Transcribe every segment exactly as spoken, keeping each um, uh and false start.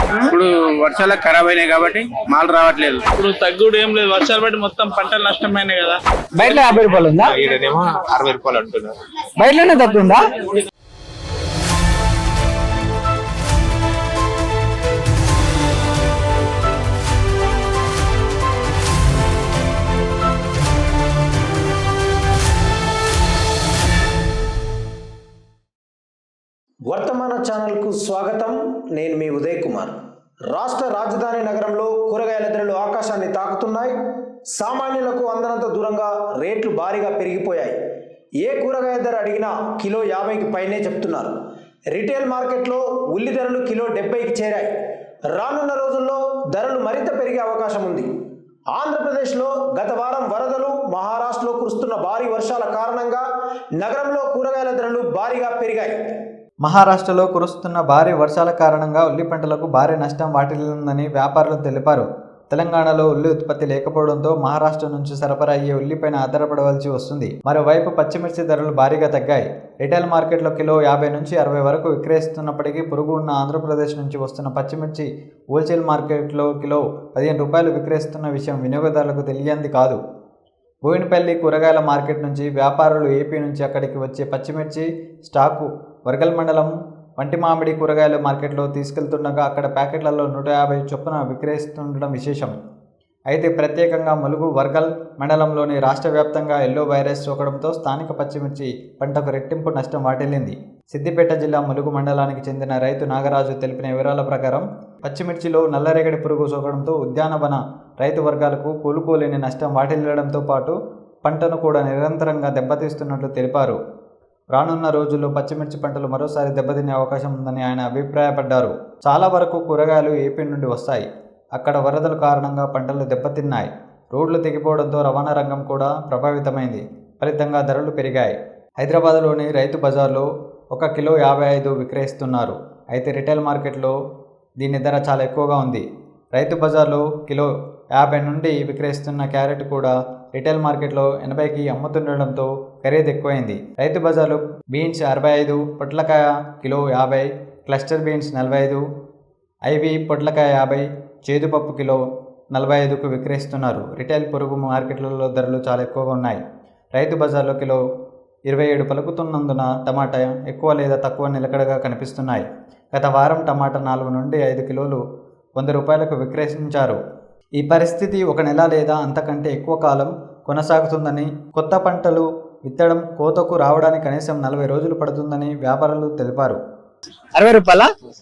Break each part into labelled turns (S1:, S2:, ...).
S1: ఇప్పుడు వర్షాలు ఖరాబ్ అయినాయి కాబట్టి మాల్ రావట్లేదు.
S2: ఇప్పుడు తగ్గుడు ఏం లేదు, వర్షాలు బట్టి మొత్తం పంటలు నష్టమైనాయి కదా.
S3: బయట యాభై రూపాయలు ఉందా,
S4: ఈడనేమో అరవై రూపాయలు అంటున్నారు.
S3: బయటలోనే తగ్గుందా?
S5: వర్తమాన ఛానల్కు స్వాగతం. నేను మీ ఉదయ్ కుమార్. రాష్ట్ర రాజధాని నగరంలో కూరగాయల ధరలు ఆకాశాన్ని తాకుతున్నాయి. సామాన్యులకు అందనంత దూరంగా రేట్లు భారీగా పెరిగిపోయాయి. ఏ కూరగాయ ధర అడిగినా కిలో యాభైకి పైనే చెప్తున్నారు. రిటైల్ మార్కెట్లో ఉల్లి ధరలు కిలో డెబ్బైకి చేరాయి. రానున్న రోజుల్లో ధరలు మరింత పెరిగే అవకాశం ఉంది. ఆంధ్రప్రదేశ్లో గత వారం వరదలు, మహారాష్ట్రలో కురుస్తున్న భారీ వర్షాల కారణంగా నగరంలో కూరగాయల ధరలు భారీగా పెరిగాయి.
S6: మహారాష్ట్రలో కురుస్తున్న భారీ వర్షాల కారణంగా ఉల్లి పంటలకు భారీ నష్టం వాటిల్లిందని వ్యాపారులు తెలిపారు. తెలంగాణలో ఉల్లి ఉత్పత్తి లేకపోవడంతో మహారాష్ట్ర నుంచి సరఫరా అయ్యే ఉల్లిపైన ఆధారపడవలసి వస్తుంది. మరోవైపు పచ్చిమిర్చి ధరలు భారీగా తగ్గాయి. రిటైల్ మార్కెట్లో కిలో యాభై నుంచి అరవై వరకు విక్రయిస్తున్నప్పటికీ పొరుగు ఉన్న ఆంధ్రప్రదేశ్ నుంచి వస్తున్న పచ్చిమిర్చి హోల్సేల్ మార్కెట్లో కిలో పదిహేను రూపాయలు విక్రయిస్తున్న విషయం వినియోగదారులకు తెలియంది కాదు. బోయినపల్లి కూరగాయల మార్కెట్ నుంచి వ్యాపారులు ఏపీ నుంచి అక్కడికి వచ్చే పచ్చిమిర్చి స్టాకు వర్గల్ మండలం వంటి మామిడి కూరగాయల మార్కెట్లో తీసుకెళ్తుండగా అక్కడ ప్యాకెట్లలో నూట యాభై చొప్పున విక్రయిస్తుండడం విశేషం. అయితే ప్రత్యేకంగా ములుగు వర్గల్ మండలంలోని రాష్ట్ర వ్యాప్తంగా ఎల్లో వైరస్ సోకడంతో స్థానిక పచ్చిమిర్చి పంటకు రెట్టింపు నష్టం వాటిల్లింది. సిద్దిపేట జిల్లా ములుగు మండలానికి చెందిన రైతు నాగరాజు తెలిపిన వివరాల ప్రకారం పచ్చిమిర్చిలో నల్లరేగడి పురుగు సోకడంతో ఉద్యానవన రైతు వర్గాలకు కోలుకోలేని నష్టం వాటిల్లడంతో పాటు పంటను కూడా నిరంతరంగా దెబ్బతీస్తున్నట్లు తెలిపారు. రానున్న రోజుల్లో పచ్చిమిర్చి పంటలు మరోసారి దెబ్బతినే అవకాశం ఉందని ఆయన అభిప్రాయపడ్డారు. చాలా వరకు కూరగాయలు ఏపీ నుండి వస్తాయి. అక్కడ వరదల కారణంగా పంటలు దెబ్బతిన్నాయి. రోడ్లు తెగిపోవడంతో రవాణా రంగం కూడా ప్రభావితమైంది. ఫలితంగా ధరలు పెరిగాయి. హైదరాబాద్లోని రైతు బజార్లో ఒక కిలో యాభై ఐదు విక్రయిస్తున్నారు. అయితే రిటైల్ మార్కెట్లో దీని ధర చాలా ఎక్కువగా ఉంది. రైతు బజార్లో కిలో యాభై నుండి విక్రయిస్తున్న క్యారెట్ కూడా రిటైల్ మార్కెట్లో ఎనభైకి అమ్ముతుండడంతో ఖరీదు ఎక్కువైంది. రైతు బజార్లో బీన్స్ అరవై ఐదు, పొట్లకాయ కిలో యాభై, క్లస్టర్ బీన్స్ నలభై ఐదు, ఐవి పొట్లకాయ యాభై, చేదుపప్పు కిలో నలభై ఐదుకు విక్రయిస్తున్నారు. రిటైల్ పొరుగు మార్కెట్లలో ధరలు చాలా ఎక్కువగా ఉన్నాయి. రైతు బజార్లో కిలో ఇరవై ఏడు పలుకుతున్నందున టమాటా ఎక్కువ లేదా తక్కువ నిలకడగా కనిపిస్తున్నాయి. గత వారం టమాటా నాలుగు నుండి ఐదు కిలోలు వంద రూపాయలకు విక్రయించారు. ఈ పరిస్థితి ఒక నెల లేదా అంతకంటే ఎక్కువ కాలం కొనసాగుతుందని, కొత్త పంటలు విత్తడం కోతకు రావడానికి కనీసం నలభై రోజులు పడుతుందని వ్యాపారులు తెలిపారు.
S3: అరవై రూపాయల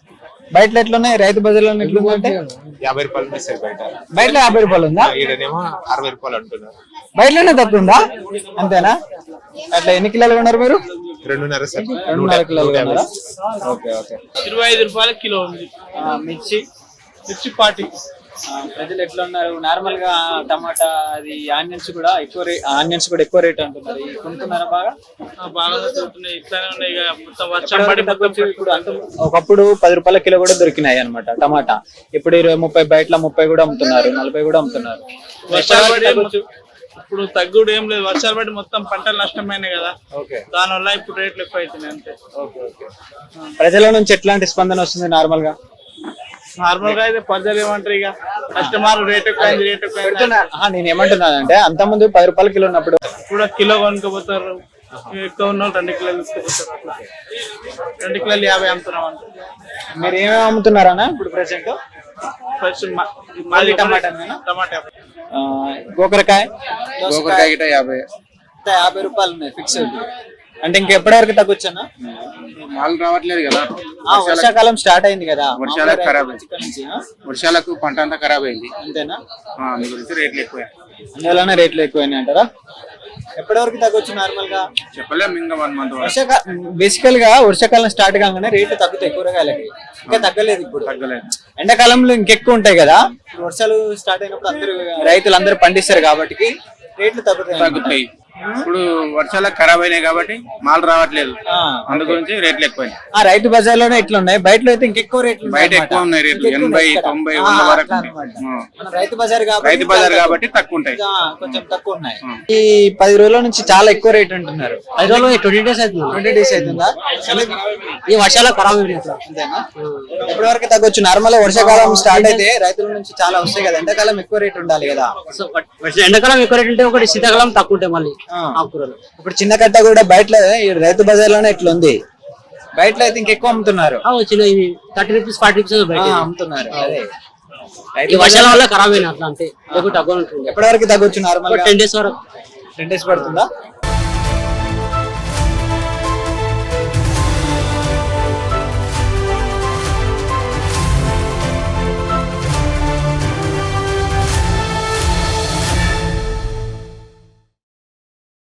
S3: బయట ఎట్లున్నాయి, రైతు బజార్లో ఎట్లుందంటే
S4: యాభై రూపాయలు బయట
S3: బయట యాభై రూపాయలు ఉందా,
S4: ఈడనేమో అరవై రూపాయలు అంటున్నారు.
S3: బయటలోనే తగ్గుందా? అంతేనా? అట్లా ఎన్ని కిలోలు ఉన్నారు మీరు?
S4: రెండున్నర సార్.
S3: రెండున్నర కిలోలు ఉన్నారా? Okay okay.
S2: ఇరవై ఐదు రూపాయల కిలో ఉంది
S3: మిర్చి.
S2: మిర్చి పార్టీ.
S3: ప్రజలు ఎట్లా ఉన్నారు? నార్మల్ గా టమాటా అది ఆనియన్స్ కూడా ఎక్కువ రేట్, ఆనియన్స్ కూడా ఎక్కువ రేట్ అంటున్నారు. కొనుక్కున్నారా? బాగా
S2: బాగా దొరుకుతున్నాయి. ఇట్లానే ఉన్నాయి ఇక మొత్తం వర్షం పడి
S3: ఇప్పుడు అంత ఒకప్పుడు పది రూపాయల కిలో కూడా దొరికినాయి అనమాట టమాటా. ఇప్పుడు ఇరవై ముప్పై బయట ముప్పై కూడా అమ్ముతున్నారు, నలభై కూడా అమ్ముతున్నారు.
S2: వర్షాలు పడి ఇప్పుడు తగ్గుడు ఏం లేదు, వర్షాలు పడి మొత్తం పంటలు నష్టమైనాయి కదా. దాని వల్ల ఇప్పుడు రేట్లు ఎక్కువ అవుతున్నాయి అంతే.
S3: ప్రజల నుంచి ఎట్లాంటి స్పందన వస్తుంది? నార్మల్ గా
S2: నార్మల్ గా అయితే ప్రజలు ఏమంటారు, ఇక కస్టమర్ రేట్ ఎక్కువ రేట్ ఎక్కువ.
S3: నేను ఏమంటున్నానంటే అంత ముందు పది రూపాయల కిలో ఉన్నప్పుడు
S2: కూడా కిలో కొనుక్కోపోతారు. ఎక్కువ ఉన్న రెండు కిలోలు తీసుకుపోతారు. అట్లా రెండు కిలోలు యాభై అమ్ముతున్నాం అంట.
S3: మీరు ఏమేమి అమ్ముతున్నారా ఇప్పుడు ప్రెసెంట్?
S2: ఫస్ట్
S3: మాది టమాటా
S2: టమాటా,
S3: గోకరకాయ
S1: గోకరకాయ యాభై
S3: యాభై రూపాయలు ఉన్నాయి ఫిక్స్. అంటే ఇంకెప్పటి వరకు తగ్గొచ్చా?
S1: మాల్ రావట్లేదు కదా.
S3: వర్షాకాలం స్టార్ట్ అయింది కదా,
S1: వర్షాలకు ఖరాబ్ అయింది. వర్షాలకు పంట అంతా ఖరాబ్ అయింది.
S3: అంతేనా?
S1: అందు గురించి రేట్లు ఎక్కువ.
S3: అందువల్లనే రేట్లు ఎక్కువైనాయి అంటారా? ఎప్పటి వరకు తగ్గొచ్చు నార్మల్ గా?
S1: చెప్పలేము, ఇంకా వన్ మంత్.
S3: వర్షాకాలం బేసికల్ గా వర్షాకాలం స్టార్ట్ కాగానే రేట్లు తగ్గుతాయి కూరగాయలకి. ఇంకా తగ్గలేదు ఇప్పుడు.
S1: తగ్గలేదు.
S3: ఎండాకాలంలో ఇంకెక్కువ ఉంటాయి కదా. వర్షాలు స్టార్ట్ అయినప్పుడు అందరూ రైతులు అందరూ పండిస్తారు కాబట్టి రేట్లు తగ్గుతాయి.
S1: తగ్గుతాయి. ఇప్పుడు వర్షాలకు ఖరాబ్ అయినాయి కాబట్టి మాల్ రావట్లేదు,
S3: ఆ,
S1: అందు గురించి రేట్లు ఎక్కువైనాయి.
S3: ఆ రైతు బజార్ లోనే ఇట్లా ఉన్నాయి, బయటలో అయితే ఇంకెక్కువ రేట్లు ఉన్నాయి
S1: బయట
S3: అన్నమాట.
S1: ఎక్కువ ఉన్నాయి రేట్లు,
S3: ఇంకెక్కువ
S1: ఎనభై
S3: ఉన్నాయి ఇక్కడ.
S1: తొంభై
S3: ఆ,
S1: వంద వరకు
S3: అట్లా
S1: ఉన్నాయి.
S3: అన్నమాట.
S1: ఆ.
S3: మన రైతు బజార్ కాబట్టి
S1: రైతు బజార్ కాబట్టి తక్కువ ఉంటాయి.
S3: ఆ, కొంచెం తక్కువ ఉన్నాయి. ఈ పది రోజుల నుంచి చాలా ఎక్కువ రేట్ అంటున్నారు.
S7: ఐదు రోజులు ట్వంటీ డేస్ అవుతుంది.
S3: ట్వంటీ డేస్ అవుతుందా?
S7: ఈ వర్షాలు ఖరాబ్ అయినాయి అట్లా.
S3: అంతేనా? ఎప్పటి వరకు తగ్గొచ్చు? నార్మల్ వర్షాకాలం స్టార్ట్ అయితే రైతుల నుంచి చాలా వస్తాయి కదా, ఎండాకాలం ఎక్కువ రేట్ ఉండాలి కదా.
S7: సో వర్ష- ఎండాకాలం ఎక్కువ రేట్ ఉంటే ఒకటి, శీతాకాలం తక్కువ ఉంటాయి మళ్ళీ
S3: ఆ.
S7: ఆకుకూరలు.
S3: ఇప్పుడు చిన్న కట్ట కూడా బయట ఈ రైతు బజార్ లోనే ఇట్లా ఉంది, బయటలో అయితే ఇంకెక్కువ అమ్ముతున్నారు.
S7: ఆ, వచ్చిన ఇవి థర్టీ రూపీస్ ఫార్టీ రూపీస్
S3: ఆ,
S7: బయట.
S3: అమ్ముతున్నారు. అదే
S7: ఈ
S3: రైతు
S7: వర్షాల వల్ల ఖరాబ్ అయినా అట్లా అంతే, లేకుంటే తక్కువ ఉంటుంది.
S3: ఎప్పటి వరకు తగ్గొచ్చు? నార్మల్
S7: టెన్ డేస్ వరకు.
S3: టెన్ డేస్ పడుతుందా?